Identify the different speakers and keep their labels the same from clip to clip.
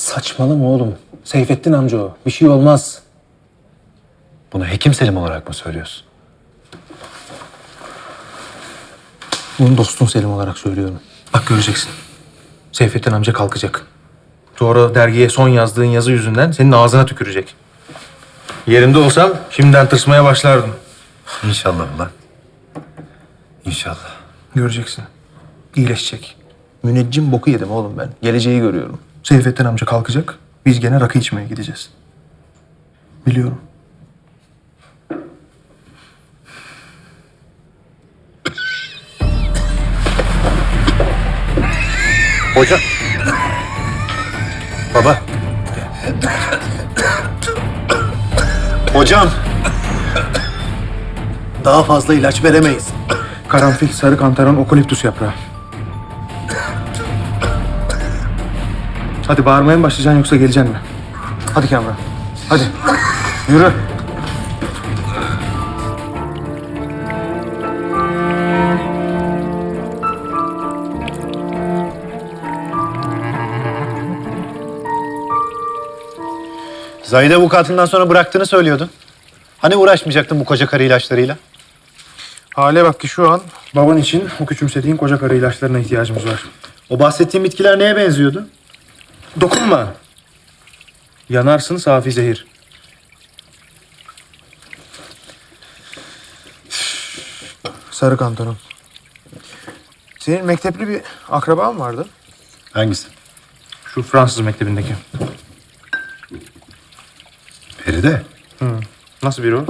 Speaker 1: Saçmalama oğlum. Seyfettin amca o. Bir şey olmaz.
Speaker 2: Bunu Hekim Selim olarak mı söylüyorsun?
Speaker 1: Bunu dostun Selim olarak söylüyorum. Bak göreceksin. Seyfettin amca kalkacak. Sonra dergiye son yazdığın yazı yüzünden senin ağzına tükürecek. Yerinde olsam şimdiden tırsmaya başlardım.
Speaker 2: İnşallah ulan. İnşallah.
Speaker 1: Göreceksin. İyileşecek. Müneccim boku yedim oğlum ben. Geleceği görüyorum. Seyfettin amca kalkacak. Biz gene rakı içmeye gideceğiz. Biliyorum.
Speaker 2: Hocam. Baba. Hocam. Daha fazla ilaç veremeyiz.
Speaker 1: Karanfil, sarı kantaron, okaliptüs yaprağı. Hadi bağırmaya mı başlayacaksın yoksa geleceksin mi? Hadi Kamran. Hadi. Yürü.
Speaker 2: Zahide avukatından sonra bıraktığını söylüyordun. Hani uğraşmayacaktın bu koca karı ilaçlarıyla?
Speaker 1: Hale bak ki şu an baban için o küçümsediğin koca karı ilaçlarına ihtiyacımız var.
Speaker 2: O bahsettiğin bitkiler neye benziyordu?
Speaker 1: Dokunma. Yanarsın safi zehir. Sarı kantaron. Senin mektepli bir akraban vardı.
Speaker 2: Hangisi?
Speaker 1: Şu Fransız mektebindeki.
Speaker 2: Feride.
Speaker 1: Nasıl biri o?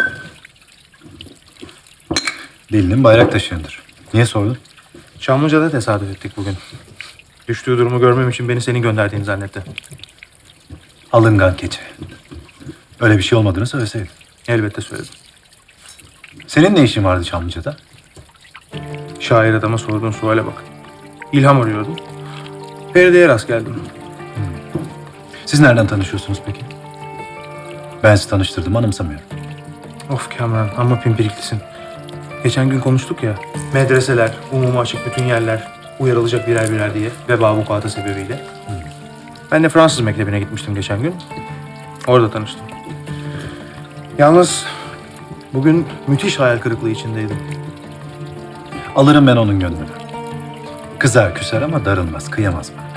Speaker 2: Delinin bayrak taşıyandır. Niye sordun?
Speaker 1: Çamlıca'da tesadüf ettik bugün. Düştüğü durumu görmem için beni senin gönderdiğini zannetti.
Speaker 2: Alıngan keçi. Öyle bir şey olmadığını söyleseydin.
Speaker 1: Elbette söyledim.
Speaker 2: Senin ne işin vardı Çamlıca'da?
Speaker 1: Şair adama sorduğun suale bak. İlham arıyordum. Feride'ye rast geldim.
Speaker 2: Siz nereden tanışıyorsunuz peki? Ben sizi tanıştırdım, anımsamıyorum.
Speaker 1: Of Kamran, amma pimpiriklisin. Geçen gün konuştuk ya, medreseler, umuma açık bütün yerler uyarılacak birer birer diye veba vukuatı sebebiyle. Ben de Fransız mektebine gitmiştim geçen gün. Orada tanıştım. Yalnız bugün müthiş hayal kırıklığı içindeydim.
Speaker 2: Alırım ben onun gönlünü. Kızar küser ama darılmaz, kıyamaz bana.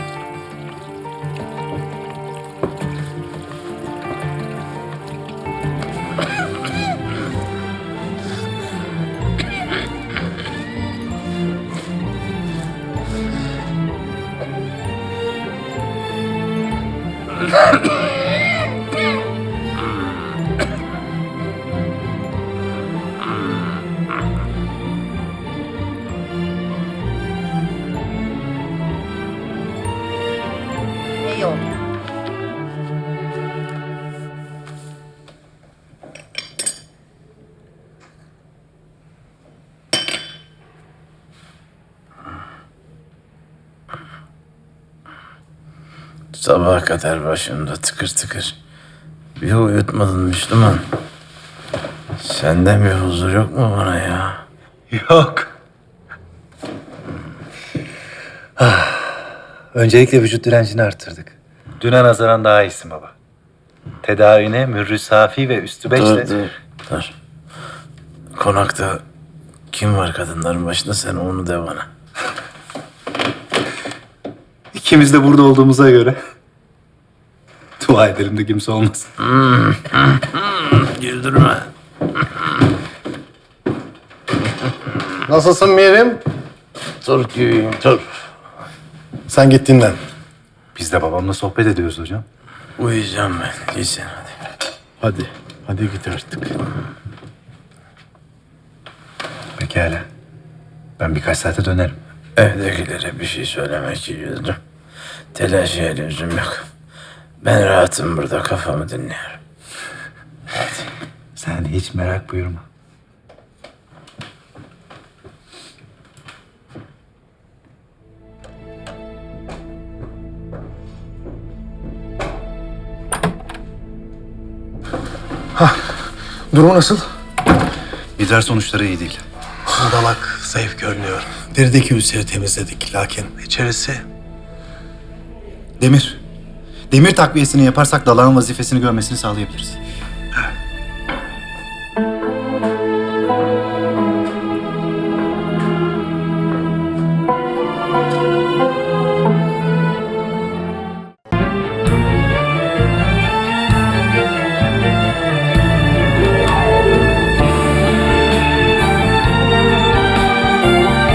Speaker 3: İyi oldu.
Speaker 4: Sabaha kadar başımda tıkır tıkır. Bir uyutmadın Müslüman. Senden bir huzur yok mu bana ya?
Speaker 2: Yok. Öncelikle vücut direncini arttırdık. Düne nazaran daha iyisin baba. Tedavine mürrü safi ve üstü beşle...
Speaker 4: Dur. Konakta kim var kadınların başında, sen onu de bana.
Speaker 2: İkimiz de burada olduğumuza göre... Dua edelim de kimse olmasın.
Speaker 4: Güldürme.
Speaker 5: Nasılsın Mirim?
Speaker 4: Dur güyüm dur.
Speaker 5: Sen git dinlen.
Speaker 2: Biz de babamla sohbet ediyoruz hocam.
Speaker 4: Uyuyacağım ben. Git sen hadi.
Speaker 5: Hadi git artık.
Speaker 2: Pekala. Ben birkaç saate dönerim.
Speaker 4: Evdekilere bir şey söylemek için yüzdüm. Telaşa lüzum yok. Ben rahatım burada, kafamı dinliyorum.
Speaker 2: Sen hiç merak buyurma.
Speaker 1: Durumu nasıl?
Speaker 2: İdrar sonuçları iyi değil.
Speaker 5: Dalak zayıf görünüyor. Derideki ülseri temizledik lakin içerisi...
Speaker 6: Demir takviyesini yaparsak dalağın vazifesini görmesini sağlayabiliriz.